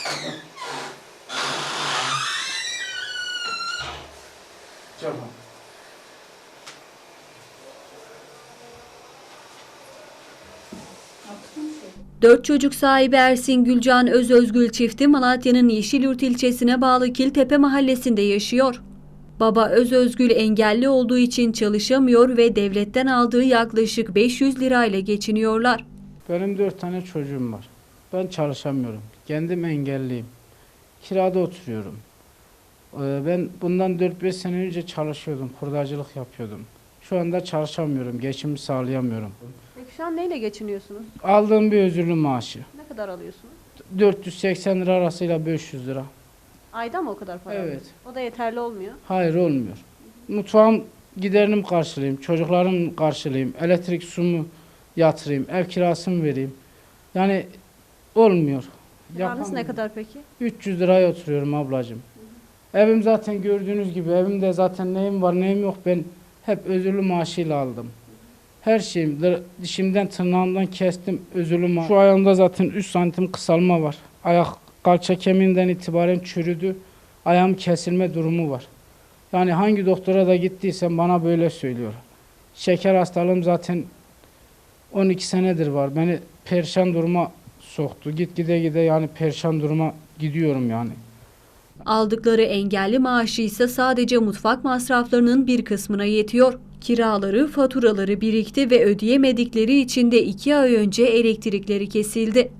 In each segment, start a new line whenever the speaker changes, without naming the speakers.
Tamam.
Dört çocuk sahibi Ersin Gülcan Özgül çifti Malatya'nın Yeşilyurt ilçesine bağlı Kiltepe mahallesinde yaşıyor. Baba Özgül engelli olduğu için çalışamıyor ve devletten aldığı yaklaşık 500 lirayla geçiniyorlar.
Benim 4 tane çocuğum var. Ben çalışamıyorum. Kendim engelliyim. Kirada oturuyorum. Ben bundan 4-5 sene önce çalışıyordum. Hurdacılık yapıyordum. Şu anda çalışamıyorum. Geçimimi sağlayamıyorum.
Peki şu an neyle geçiniyorsunuz?
Aldığım bir özürlü maaşı.
Ne kadar alıyorsunuz?
480 lira arasıyla 500 lira.
Ayda mı o kadar para
Evet.
alıyorsunuz? O da yeterli olmuyor.
Hayır, olmuyor. Mutfağım giderini karşılayayım, çocuklarım karşılayayım, elektrik sumu yatırayım, ev kirasını vereyim. Yani olmuyor.
Kiranız ne kadar peki?
300 liraya oturuyorum ablacığım. Evim zaten gördüğünüz gibi, evimde zaten neyim var neyim yok, ben hep özürlü maaşıyla aldım. Her şeyim, dişimden tırnağımdan kestim özürlü maaş. Şu ayağımda zaten 3 santim kısalma var. Ayak kalça kemiğinden itibaren çürüdü. Ayağım kesilme durumu var. Yani hangi doktora da gittiysem bana böyle söylüyor. Şeker hastalığım zaten 12 senedir var. Beni perişan duruma soktu. Gide yani perişan duruma gidiyorum yani.
Aldıkları engelli maaşı ise sadece mutfak masraflarının bir kısmına yetiyor. Kiraları, faturaları birikti ve ödeyemedikleri için de 2 ay önce elektrikleri kesildi.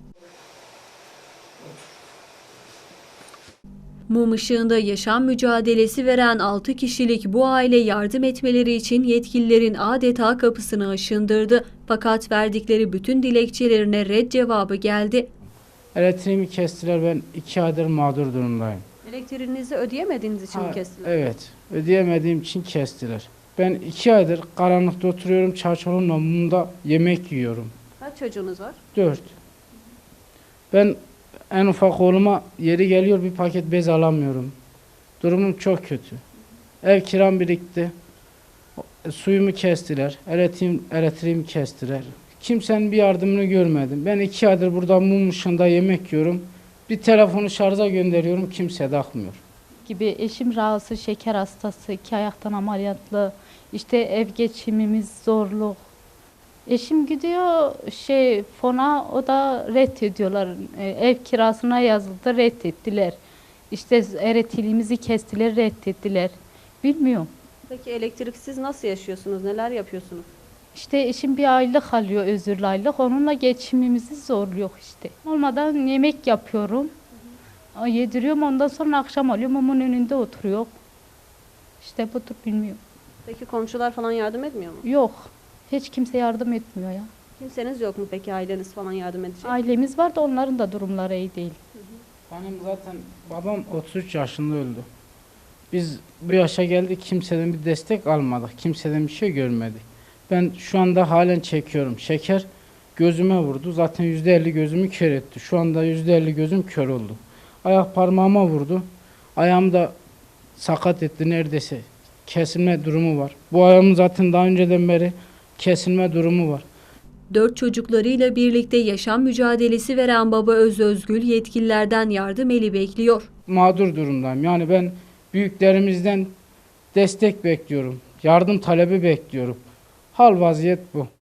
Mum ışığında yaşam mücadelesi veren 6 kişilik bu aile yardım etmeleri için yetkililerin adeta kapısını aşındırdı. Fakat verdikleri bütün dilekçelerine red cevabı geldi.
Elektriğimi kestiler, ben 2 aydır mağdur durumdayım.
Elektriğinizi ödeyemediğiniz için mi kestiler?
Evet, ödeyemediğim için kestiler. Ben 2 aydır karanlıkta oturuyorum, çarşafın mumunda yemek yiyorum.
Kaç çocuğunuz var?
4. Ben en ufak oğluma yeri geliyor bir paket bez alamıyorum. Durumum çok kötü. Ev kiram birikti. Suyumu kestiler, elektriğimi kestiler. Kimsenin bir yardımını görmedim. Ben 2 aydır burada mum ışığında yemek yiyorum. Bir telefonu şarja gönderiyorum, kimse takmıyor.
Gibi eşim rahatsız, şeker hastası, 2 ayaktan ameliyatlı. İşte ev geçimimiz zorluk. Eşim gidiyor fona, o da reddediyorlar. Ev kirasına yazıldı, reddettiler. İşte elektriğimizi kestiler, reddettiler. Bilmiyorum.
Peki elektriksiz nasıl yaşıyorsunuz? Neler yapıyorsunuz?
İşte eşim bir aylık alıyor, özürlü aylık. Onunla geçimimizi zorluyor işte. Olmadan yemek yapıyorum. Yediriyorum, ondan sonra akşam alıyorum, mumun önünde oturuyor. İşte budur, bilmiyorum.
Peki komşular falan yardım etmiyor mu?
Yok, hiç kimse yardım etmiyor ya.
Kimseniz yok mu peki, aileniz falan yardım edecek?
Ailemiz var da onların da durumları iyi değil.
Benim zaten babam 33 yaşında öldü. Biz bu yaşa geldik, kimseden bir destek almadık, kimseden bir şey görmedik. Ben şu anda halen çekiyorum. Şeker gözüme vurdu. Zaten %50 gözümü kör etti. Şu anda %50 gözüm kör oldu. Ayak parmağıma vurdu. Ayağım da sakat etti neredeyse. Kesilme durumu var. Bu ayağımın zaten daha önceden beri kesilme durumu var.
4 çocuklarıyla birlikte yaşam mücadelesi veren baba Özgül yetkililerden yardım eli bekliyor.
Mağdur durumdayım. Yani ben büyüklerimizden destek bekliyorum. Yardım talebi bekliyorum. Hal vaziyet bu.